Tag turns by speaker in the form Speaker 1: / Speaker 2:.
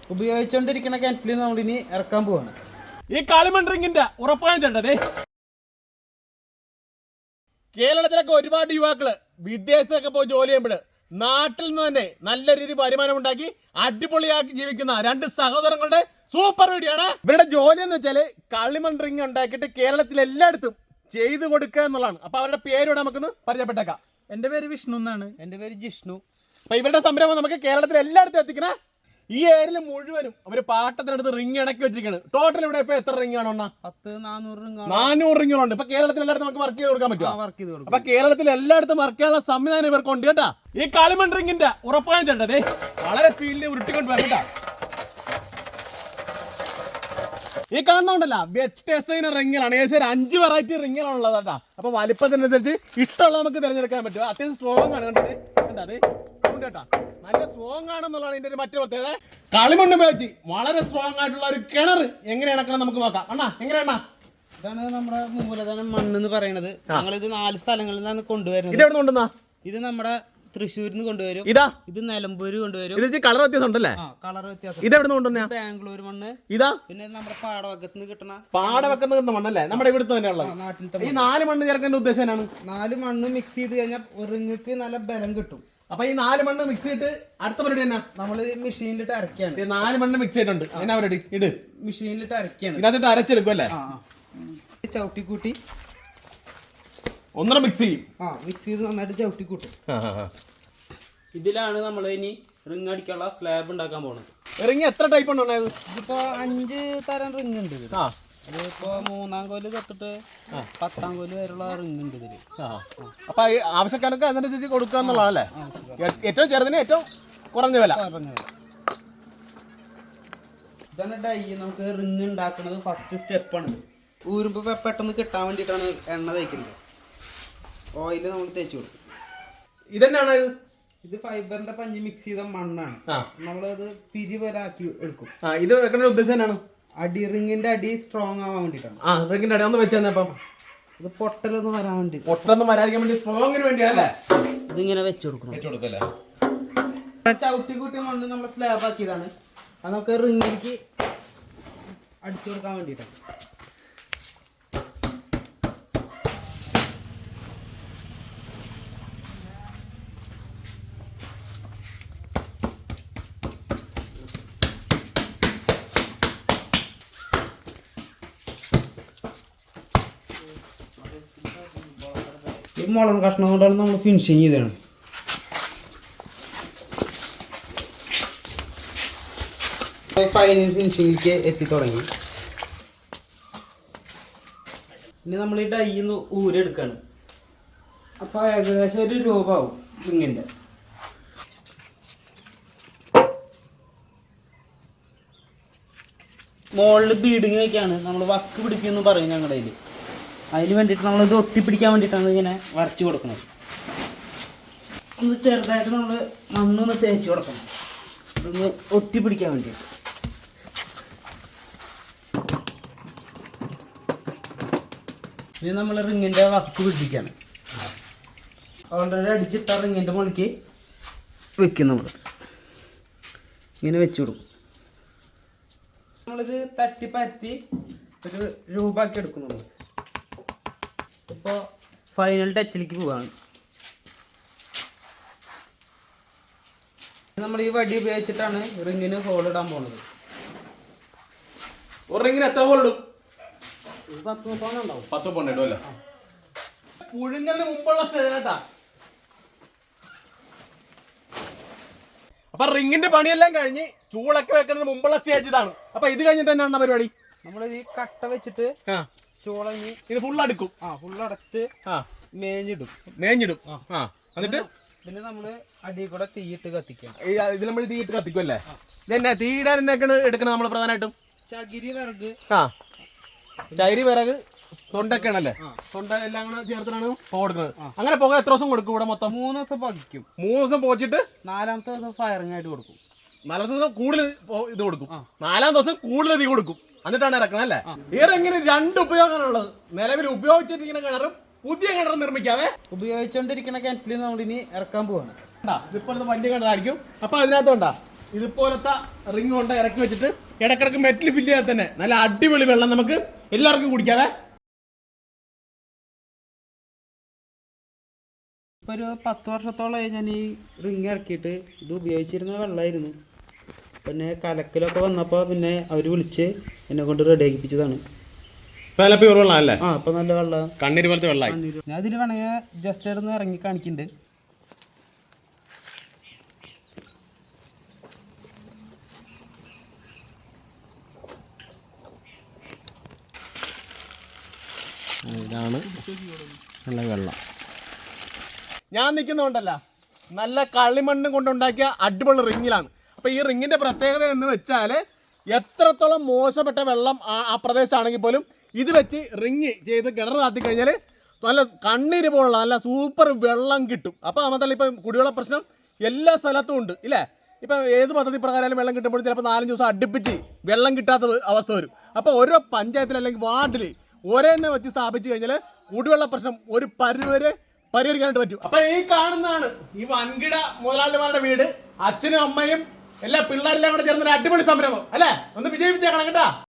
Speaker 1: ഉപയോഗിച്ചുകൊണ്ടിരിക്കുന്ന കിണറ്റിൽ നമ്മളിനി ഇറക്കാൻ പോവാണ്.
Speaker 2: ഈ കളിമൺ റിങ്ങിന്റെ ഉറപ്പാണ് ചേട്ടതേ. കേരളത്തിലൊക്കെ ഒരുപാട് യുവാക്കള് വിദേശത്തൊക്കെ പോയി ജോലി ചെയ്യുമ്പോൾ നാട്ടിൽ നിന്ന് തന്നെ നല്ല രീതിയിൽ വരുമാനം ഉണ്ടാക്കി അടിപൊളിയാക്കി ജീവിക്കുന്ന രണ്ട് സഹോദരങ്ങളുടെ സൂപ്പർ വീഡിയോ ആണ്. ഇവരുടെ ജോലി എന്ന് വെച്ചാല് കളിമൺ റിങ് ഉണ്ടാക്കിയിട്ട് കേരളത്തിൽ എല്ലായിടത്തും ചെയ്തു കൊടുക്കുക എന്നുള്ളതാണ്. അപ്പൊ അവരുടെ പേരോട് നമുക്കൊന്ന് പരിചയപ്പെട്ടേക്കാം.
Speaker 1: എൻ്റെ പേര് വിഷ്ണു എന്നാണ്. എൻ്റെ പേര് ജിഷ്ണു.
Speaker 2: അപ്പൊ ഇവരുടെ സംരംഭം നമുക്ക് കേരളത്തിൽ എല്ലായിടത്തും എത്തിക്കണ. ഈ ഏരിയയിൽ മുഴുവനും അവര് പാട്ടത്തിനടുത്ത് റിങ് ഇണക്കി വെച്ചിരിക്കുകയാണ്. ടോട്ടൽ ഇവിടെ ഇപ്പൊ എത്ര റിങ് ആണോ? 400 റിങ്ങുകളുണ്ട്. ഇപ്പൊ കേരളത്തിൽ എല്ലായിടത്തും നമുക്ക് വർക്ക് ചെയ്ത് കൊടുക്കാൻ പറ്റുമോ? അപ്പൊ കേരളത്തിൽ എല്ലായിടത്തും വർക്ക് ചെയ്യാനുള്ള സംവിധാനം ഇവർക്കുണ്ട് കേട്ടാ. ഈ കളിമൺ റിങ്ങിന്റെ ഉറപ്പാണ് ചേട്ടതേ. വളരെ സ്പീഡിൽ ഉരുട്ടിക്കൊണ്ട് വരട്ടാ. ഈ കാണുന്നുണ്ടല്ല വ്യത്യസ്ത റിങ്ങുകളാണ്. ഏകദേശം 5 വെറൈറ്റി റിങ്ങുകളുള്ളത് കേട്ടാ. അപ്പൊ വലിപ്പത്തിനനുസരിച്ച് ഇഷ്ടമുള്ള നമുക്ക് തിരഞ്ഞെടുക്കാൻ പറ്റും. അത്യാവശ്യം സ്ട്രോങ് ആണ് കണ്ടത്. കണ്ടത് സൗണ്ട് കേട്ടാ, നല്ല സ്ട്രോങ് ആണെന്നുള്ളതാണ് ഇതിന്റെ ഒരു മറ്റു പ്രത്യേകത. കളിമണ്ണ് ഉപയോഗിച്ച് വളരെ സ്ട്രോങ് ആയിട്ടുള്ള ഒരു കിണർ എങ്ങനെ ഇണക്കണം നമുക്ക് നോക്കാം. അണ്ണാ എങ്ങനെയാണ?
Speaker 1: ഇതാണ് നമ്മുടെ മൂലധനം മണ്ണ് എന്ന് പറയുന്നത്. ഞങ്ങളിത് 4 സ്ഥലങ്ങളിൽ നിന്നാണ് കൊണ്ടുവരുന്നത്.
Speaker 2: ഇത് എവിടെ കൊണ്ടുവന്നാ?
Speaker 1: ഇത് നമ്മുടെ തൃശ്ശൂരിൽ നിന്ന് കൊണ്ടുവരും.
Speaker 2: ഇതാ
Speaker 1: ഇത് നിലമ്പൂര് കൊണ്ടുവരും.
Speaker 2: ഇത് കളർ വ്യത്യാസം ഉണ്ടല്ലേ?
Speaker 1: കളർ വ്യത്യാസം.
Speaker 2: ഇത് എവിടെ കൊണ്ടുവന്നാ?
Speaker 1: ബാംഗ്ലൂർ മണ്ണ്.
Speaker 2: ഇതാ പിന്നെ
Speaker 1: നമ്മുടെ പാടവക്കത്ത് കിട്ടണ
Speaker 2: കിട്ടുന്ന മണ്ണല്ലേ, നമ്മുടെ ഇവിടുത്തെ തന്നെയുള്ള
Speaker 1: നാട്ടിലത്തെ.
Speaker 2: ഈ 4 മണ്ണ് ചേർക്കേണ്ട ഉദ്ദേശം എന്നാണ്?
Speaker 1: 4 മണ്ണ് മിക്സ് ചെയ്ത് കഴിഞ്ഞാൽ റിങ്ങക്ക് നല്ല ബലം കിട്ടും.
Speaker 2: അപ്പൊ ഈ 4 മണ്ണ് മിക്സ് ചെയ്തിട്ട് അടുത്ത പരിപാടി എന്നാ?
Speaker 1: നമ്മള് മെഷീനിലിട്ട് അരക്കാണ്.
Speaker 2: 4 മണ്ണ് മിക്സ് ചെയ്തിട്ടുണ്ട്. എന്നാ പരിപാടി? ഇട്
Speaker 1: മെഷീനിലിട്ട് അരക്കാണ്.
Speaker 2: ഇതിനകത്തിട്ട് അരച്ചെടുക്കും അല്ലേ?
Speaker 1: ചവിട്ടിക്കൂട്ടി
Speaker 2: ഒന്നര മിക്സ് ചെയ്യും.
Speaker 1: മിക്സ് ചെയ്ത് നന്നായിട്ട് ചവിട്ടിക്കൂട്ടും. ഇതിലാണ് നമ്മൾ ഇനി റിങ് അടിക്കാനുള്ള സ്ലാബ് ഉണ്ടാക്കാൻ പോകുന്നത്.
Speaker 2: റിങ് എത്ര ടൈപ്പ് ഉണ്ടോ?
Speaker 1: ഇതിപ്പോ 5 തരം റിങ് ഉണ്ട് ഇതിൽ. അതിപ്പോ 3-ാം കോല് തൊട്ടിട്ട് 10-ാം കോല് വരെയുള്ള റിങ് ഉണ്ട് ഇതില്.
Speaker 2: അപ്പൊ ആവശ്യക്കാരൊക്കെ അതിനനുസരിച്ച് കൊടുക്കുക എന്നുള്ളതല്ലേ? ഏറ്റവും ചെറുതിന് ഏറ്റവും കുറഞ്ഞ വില.
Speaker 1: ഇതാണ് ഡൈ. നമുക്ക് റിങ് ഉണ്ടാക്കുന്നത് ഫസ്റ്റ് സ്റ്റെപ്പാണ്. ഊരുമ്പോ പെട്ടെന്ന് കിട്ടാൻ വേണ്ടിയിട്ടാണ് എണ്ണ തേക്കുന്നത്. ഓയിൽ നമ്മൾ തേച്ച് കൊടുക്കും.
Speaker 2: ഇതെന്നാണ്
Speaker 1: ഇത് ഫൈബറിന്റെ പഞ്ഞി മിക്സ് ചെയ്ത മണ്ണാണ്. നമ്മളത് പിരി പോലെ ആക്കി എടുക്കും.
Speaker 2: ഇത് വെക്കുന്ന ഉദ്ദേശം എന്നാണ്?
Speaker 1: റിങ്ങിന്റെ അടി സ്ട്രോങ് ആവാൻ വേണ്ടിട്ടാണ്.
Speaker 2: റിങ്ങിന്റെ അടി ഒന്ന് വെച്ചപ്പം
Speaker 1: ഇത് പൊട്ടലൊന്നും വരാൻ വേണ്ടി,
Speaker 2: പൊട്ടലൊന്നും വരാതിരിക്കാൻ വേണ്ടി സ്ട്രോങ്ങിന് വേണ്ടിയല്ലേ
Speaker 1: ഇതിങ്ങനെ വെച്ച് കൊടുക്കണം. ചവിട്ടി കൂട്ടി മണ്ണ് നമ്മൾ സ്ലാബ് ആക്കിയതാണ്. അത് നമുക്ക് റിങ്ങിലേക്ക് അടിച്ചു കൊടുക്കാൻ വേണ്ടിയിട്ടാണ്. ഈ മുളം കഷ്ണം കൊണ്ടാണ് നമ്മൾ ഫിനിഷിങ് ചെയ്തതാണ്. ഫൈനൽ ഫിനിഷിങ്ങിലേക്ക് എത്തി തുടങ്ങി. ഇനി നമ്മൾ ഈ ഡൈന്ന് ഊരെടുക്കാണ്. അപ്പോൾ ഏകദേശം 1 രൂപ ആവും റിങ്ങിൻ്റെ. മുകളിൽ ബീഡിങ് വയ്ക്കാണ്. നമ്മൾ വക്ക് പിടിക്കുമെന്ന് പറയും ഞങ്ങളുടെ കയ്യിൽ. അതിന് വേണ്ടിയിട്ട് നമ്മളിത് ഒട്ടിപ്പിടിക്കാൻ വേണ്ടിയിട്ടാണ് ഇങ്ങനെ വരച്ച് കൊടുക്കുന്നത്. ഒന്ന് ചെറുതായിട്ട് നമ്മൾ മണ്ണൊന്ന് തേച്ച് കൊടുക്കണം. ഇതൊന്ന് ഒട്ടിപ്പിടിക്കാൻ വേണ്ടിയിട്ട്. ഇനി നമ്മൾ റിങ്ങിൻ്റെ വക്ക് പിടിപ്പിക്കുകയാണ്. ഓൾറെഡി അടിച്ചിട്ട റിങ്ങിൻ്റെ മുകളിലേക്ക് വെക്കും. നമ്മൾ ഇങ്ങനെ വെച്ച് കൊടുക്കും. നമ്മളിത് തട്ടിപ്പരത്തി 1 രൂപ ആക്കി എടുക്കും. നമ്മൾ ഇപ്പോൾ ഫൈനൽ ടച്ചിലേക്ക് പോവാണ്. നമ്മൾ ഈ വടി ഉപയോഗിച്ചിട്ടാണ് റിങ്ങിന് ഹോൾ ഇടാൻ പോകുന്നത്.
Speaker 2: ഒരു റിങ്ങിന് എത്ര ഹോൾ ഇടും?
Speaker 1: 10 പൗണ്ട് ഉണ്ടാവും.
Speaker 2: 10 പൗണ്ട് ഇടും അല്ലേ? പുഴുങ്ങലിന് മുമ്പുള്ള സ്റ്റേജാ. അപ്പൊ റിങ്ങിന്റെ പണിയെല്ലാം കഴിഞ്ഞ് ചൂളൊക്കെ വെക്കുന്നതിന് മുമ്പുള്ള സ്റ്റേജ് ഇതാണ്. അപ്പൊ ഇത് കഴിഞ്ഞിട്ട് എന്നാണ് പരിപാടി?
Speaker 1: നമ്മൾ ഈ കട്ട വെച്ചിട്ട് ചോളഞ്ഞ്
Speaker 2: ഇത് ഫുൾ അടുക്കും.
Speaker 1: ഫുള്ളടത്ത് മേഞ്ഞിടും.
Speaker 2: എന്നിട്ട്
Speaker 1: പിന്നെ നമ്മള് അടിയിൽ കൂടെ തീയിട്ട് കത്തിക്കാം.
Speaker 2: ഇതിൽ നമ്മൾ തീയിട്ട് കത്തിക്കും അല്ലേ? ഇതെന്നാ തീയിടാൻ എന്നൊക്കെയാണ് എടുക്കുന്നത് നമ്മൾ പ്രധാനമായിട്ടും?
Speaker 1: ചകിരി വിറക്.
Speaker 2: ചകിരി വിറക് തൊണ്ടൊക്കെയാണല്ലേ? തൊണ്ട എല്ലാം കൂടെ ചേർത്തിട്ടാണ് പുക കൊടുക്കുന്നത്. അങ്ങനെ പുക എത്ര ദിവസം കൊടുക്കും ഇവിടെ മൊത്തം?
Speaker 1: 3 ദിവസം പുകയ്ക്കും.
Speaker 2: 3 ദിവസം പുകച്ചിട്ട്
Speaker 1: 4ാമത്തെ ദിവസം ഫയറിംഗ് ആയിട്ട് കൊടുക്കും.
Speaker 2: 4 ദിവസം കൂടുതൽ ഇത് കൊടുക്കും. 4ാം ദിവസം കൂടുതൽ തീ കൊടുക്കും. എന്നിട്ടാണ് ഇറക്കണം അല്ലേ? ഈ റിങ്ങിന് 2 ഉപയോഗമാണുള്ളത്. നിലവിൽ ഉപയോഗിച്ചിരിക്കുന്ന കിണറും പുതിയ കിണർ നിർമ്മിക്കാവേ.
Speaker 1: ഉപയോഗിച്ചുകൊണ്ടിരിക്കുന്ന കിണറ്റിൽ നമ്മളിനി ഇറക്കാൻ പോവാണ്.
Speaker 2: ഇപ്പോഴത്തെ വലിയ കിണറായിരിക്കും. അപ്പൊ അതിനകത്ത് ഉണ്ടാ ഇതുപോലത്തെ റിങ് കൊണ്ട് ഇറക്കി വെച്ചിട്ട് ഇടക്കിടക്ക് മെറ്റൽ ഫില്ല് ചെയ്യാൻ തന്നെ നല്ല അടിപൊളി വെള്ളം നമുക്ക് എല്ലാവർക്കും കുടിക്കാവേ.
Speaker 1: ഇപ്പോൾ ഒരു 10 വർഷത്തോളമായി ഞാൻ ഈ റിങ് ഇറക്കിയിട്ട്. ഇത് ഉപയോഗിച്ചിരുന്ന വെള്ളമായിരുന്നു. പിന്നെ കലക്കലൊക്കെ വന്നപ്പോൾ പിന്നെ അവർ വിളിച്ച് എന്നെ കൊണ്ട് റെഡി ആക്കിപ്പിച്ചതാണ്.
Speaker 2: വെള്ളം അല്ലേ?
Speaker 1: ആ ഇപ്പം നല്ല വെള്ളം,
Speaker 2: കണ്ണീര് പോലത്തെ വെള്ളമായി.
Speaker 1: ഞാൻ ഇതിൽ വേണമെങ്കിൽ ജസ്റ്റ് ഇടന്ന് ഇറങ്ങി കാണിക്കുന്നുണ്ട്.
Speaker 2: ഇതാണ് നല്ല വെള്ളം. ഞാൻ നിൽക്കുന്നുണ്ടല്ല നല്ല കളിമണ്ണ് കൊണ്ടുണ്ടാക്കിയ അടിപൊളി റിങ്ങിലാണ്. അപ്പോൾ ഈ റിങ്ങിൻ്റെ പ്രത്യേകത എന്ന് വെച്ചാൽ എത്രത്തോളം മോശപ്പെട്ട വെള്ളം ആ പ്രദേശമാണെങ്കിൽ പോലും ഇത് വെച്ച് റിങ് ചെയ്ത് കിണർ താത്തി കഴിഞ്ഞാൽ നല്ല കണ്ണീര് പോലുള്ള നല്ല സൂപ്പർ വെള്ളം കിട്ടും. അപ്പോൾ മാത്രമല്ല ഇപ്പം കുടിവെള്ള പ്രശ്നം എല്ലാ സ്ഥലത്തും ഉണ്ട് ഇല്ലേ? ഇപ്പം ഏത് പദ്ധതി പ്രകാരം വെള്ളം കിട്ടുമ്പോഴും ചിലപ്പോൾ 4-5 ദിവസം അടുപ്പിച്ച് വെള്ളം കിട്ടാത്ത അവസ്ഥ വരും. അപ്പോൾ ഓരോ പഞ്ചായത്തിൽ അല്ലെങ്കിൽ വാർഡിൽ ഒരേന്നെ വെച്ച് സ്ഥാപിച്ചു കഴിഞ്ഞാൽ കുടിവെള്ള പ്രശ്നം ഒരു പരിധിവരെ പരിഹരിക്കാനായിട്ട് പറ്റും. അപ്പൊ ഈ കാണുന്നതാണ് ഈ വൻകിട മുതലാളിമാരുടെ വീട്. അച്ഛനും അമ്മയും എല്ലാ പിള്ളേരെല്ലാം കൂടെ ചേർന്നൊരു അടിപൊളി സംരംഭം അല്ലേ? ഒന്ന് വിജയിപ്പിച്ചേക്കണം കേട്ടാ.